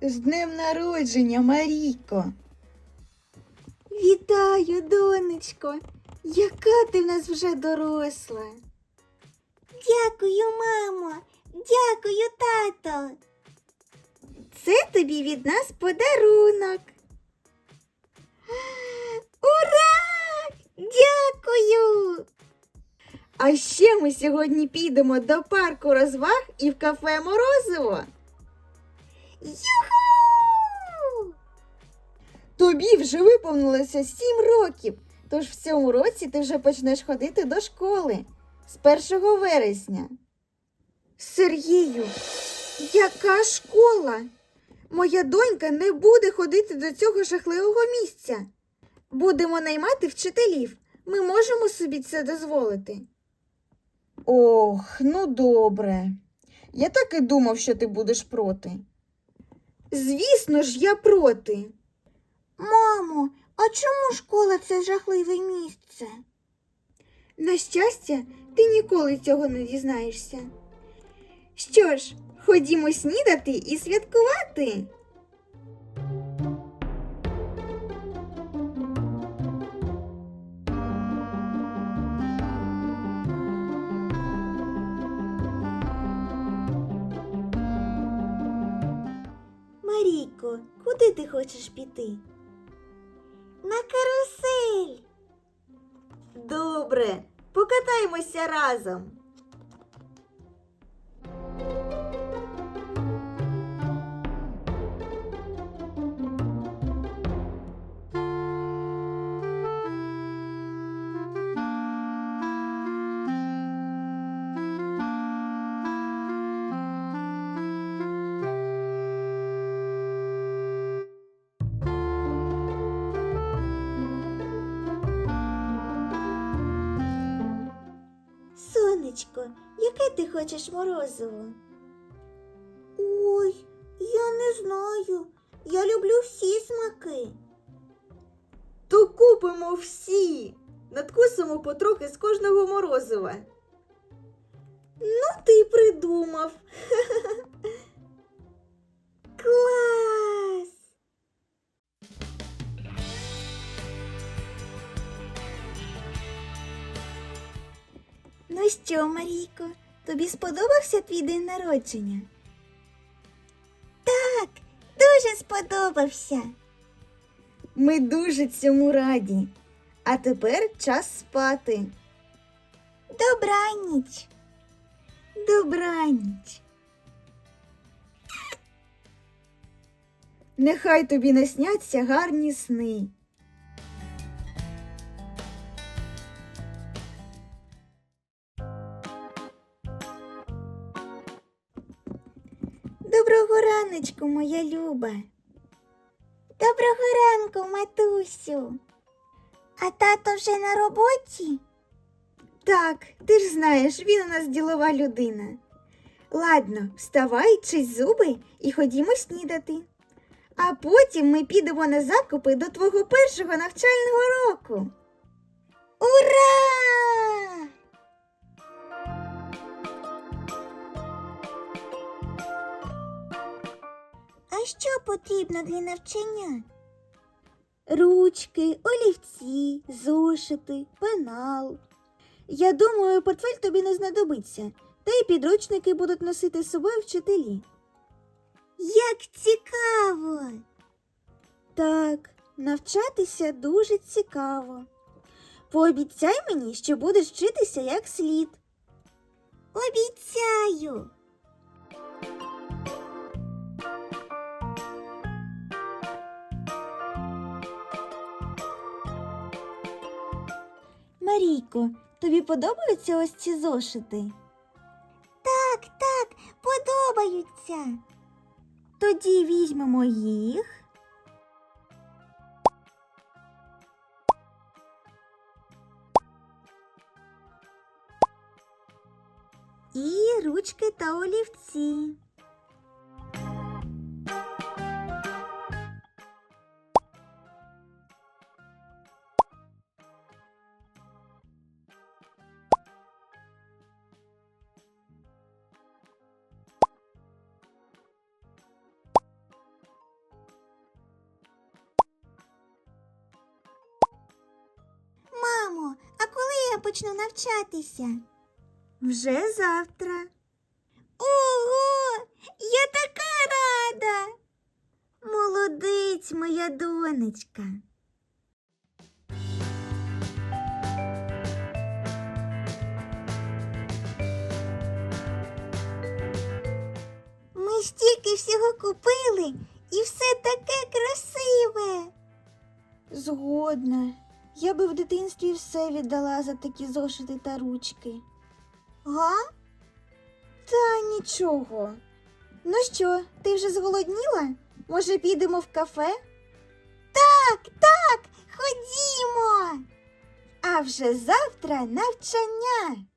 З днем народження, Марійко! Вітаю, донечко! Яка ти в нас вже доросла! Дякую, мамо! Дякую, тато! Це тобі від нас подарунок! Ура! Дякую! А ще ми сьогодні підемо до парку розваг і в кафе Морозиво. Юху! Тобі вже виповнилося 7 років, тож в цьому році ти вже почнеш ходити до школи з 1 вересня. Сергію, яка школа? Моя донька не буде ходити до цього жахливого місця. Будемо наймати вчителів. Ми можемо собі це дозволити. Ох, ну добре. Я так і думав, що ти будеш проти. Звісно ж, я проти. Мамо, а чому школа – це жахливе місце? На щастя, ти ніколи цього не дізнаєшся. Що ж, ходімо снідати і святкувати. Марійко, куди ти хочеш піти? На карусель. Добре, покатаємося разом. Сонечко, яке ти хочеш морозиво? Ой, я не знаю. Я люблю всі смаки. То купимо всі. Надкусимо потрохи з кожного морозива. Ну, ти й придумав. Клас! Ну що, Марійко, тобі сподобався твій день народження? Так, дуже сподобався. Ми дуже цьому раді. А тепер час спати. Добраніч. Добраніч. Нехай тобі насняться гарні сни. Доброго раночку, моя Люба. Доброго ранку, матусю. А тато вже на роботі? Так, ти ж знаєш, він у нас ділова людина. Ладно, вставай, чись зуби і ходімо снідати. А потім ми підемо на закупи до твого першого навчального року. Ура! А що потрібно для навчання? Ручки, олівці, зошити, пенал. Я думаю, портфель тобі не знадобиться, та й підручники будуть носити з собою вчителі. Як цікаво! Так, навчатися дуже цікаво. Пообіцяй мені, що будеш вчитися як слід. Обіцяю! Марійко, тобі подобаються ось ці зошити? Так, подобаються. Тоді візьмемо їх. І ручки та олівці. почну навчатися? Вже завтра. Ого! Я така рада! Молодець, моя донечка. Ми стільки всього купили, і все таке красиве. Згодна. Я би в дитинстві все віддала за такі зошити та ручки. Га? Та нічого. Ну що, ти вже зголодніла? Може, підемо в кафе? Так, ходімо. А вже завтра навчання.